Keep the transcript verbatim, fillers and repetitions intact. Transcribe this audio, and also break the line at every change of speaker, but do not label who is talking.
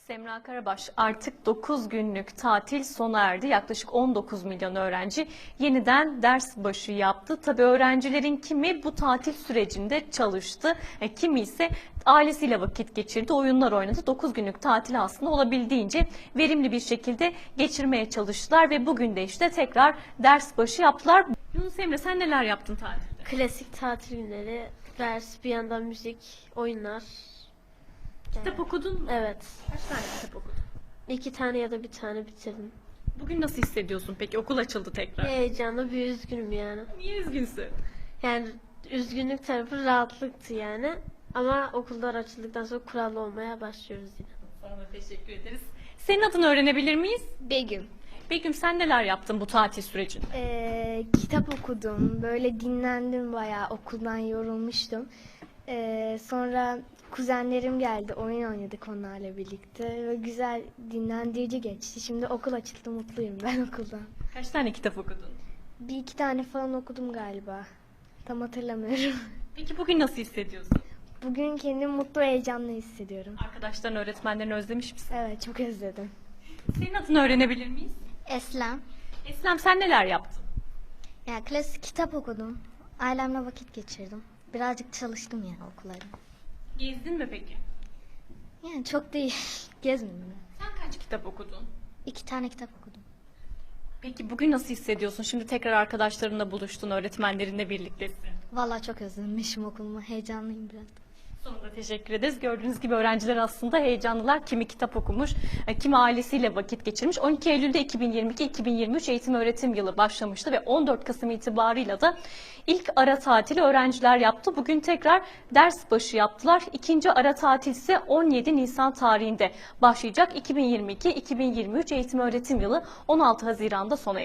Semra Karabaş, artık dokuz günlük tatil sona erdi. Yaklaşık on dokuz milyon öğrenci yeniden ders başı yaptı. Tabii öğrencilerin kimi bu tatil sürecinde çalıştı, e, kimi ise ailesiyle vakit geçirdi, oyunlar oynadı. dokuz günlük tatil aslında olabildiğince verimli bir şekilde geçirmeye çalıştılar ve bugün de işte tekrar ders başı yaptılar. Yunus Emre, sen neler yaptın tatilde?
Klasik tatil günleri, ders, bir yandan müzik, oyunlar.
Kitap okudun mu?
Evet.
Kaç tane kitap okudun?
İki tane ya da bir tane bitirdim.
Bugün nasıl hissediyorsun peki? Okul açıldı tekrar.
Heyecanlı, bir üzgünüm yani.
Niye üzgünsün?
Yani üzgünlük tarafı rahatlıktı yani. Ama okullar açıldıktan sonra kurallı olmaya başlıyoruz yine.
Sana da teşekkür ederiz. Senin adını öğrenebilir miyiz?
Begüm.
Begüm, sen neler yaptın bu tatil sürecinde?
Ee, kitap okudum. Böyle dinlendim bayağı. Okuldan yorulmuştum. Ee, sonra kuzenlerim geldi. Oyun oynadık onlarla birlikte. Ve güzel dinlendirici geçti. Şimdi okul açıldı. Mutluyum ben okuldan.
Kaç tane kitap okudun?
Bir iki tane falan okudum galiba. Tam hatırlamıyorum.
Peki bugün nasıl hissediyorsun?
Bugün kendimi mutlu, heyecanlı hissediyorum.
Arkadaşların, öğretmenlerini özlemiş misin?
Evet, çok özledim.
Senin adını öğrenebilir miyiz?
Eslem.
Eslem, sen neler yaptın?
Ya klasik kitap okudum. Ailemle vakit geçirdim. Birazcık çalıştım yani okullarda.
Gezdin mi peki?
Yani çok değil. Gezmedim.
Sen kaç kitap okudun?
İki tane kitap okudum.
Peki bugün nasıl hissediyorsun? Şimdi tekrar arkadaşlarınla buluştun, öğretmenlerinle birliktesin.
Vallahi çok özlemişim okulumu. Heyecanlıyım biraz.
Sonunda teşekkür ederiz. Gördüğünüz gibi öğrenciler aslında heyecanlılar. Kimi kitap okumuş, kimi ailesiyle vakit geçirmiş. on iki Eylül'de iki bin yirmi iki iki bin yirmi üç eğitim öğretim yılı başlamıştı ve on dört Kasım itibarıyla da ilk ara tatili öğrenciler yaptı. Bugün tekrar ders başı yaptılar. İkinci ara tatil ise on yedi Nisan tarihinde başlayacak. iki bin yirmi iki iki bin yirmi üç eğitim öğretim yılı on altı Haziran'da sona erecek.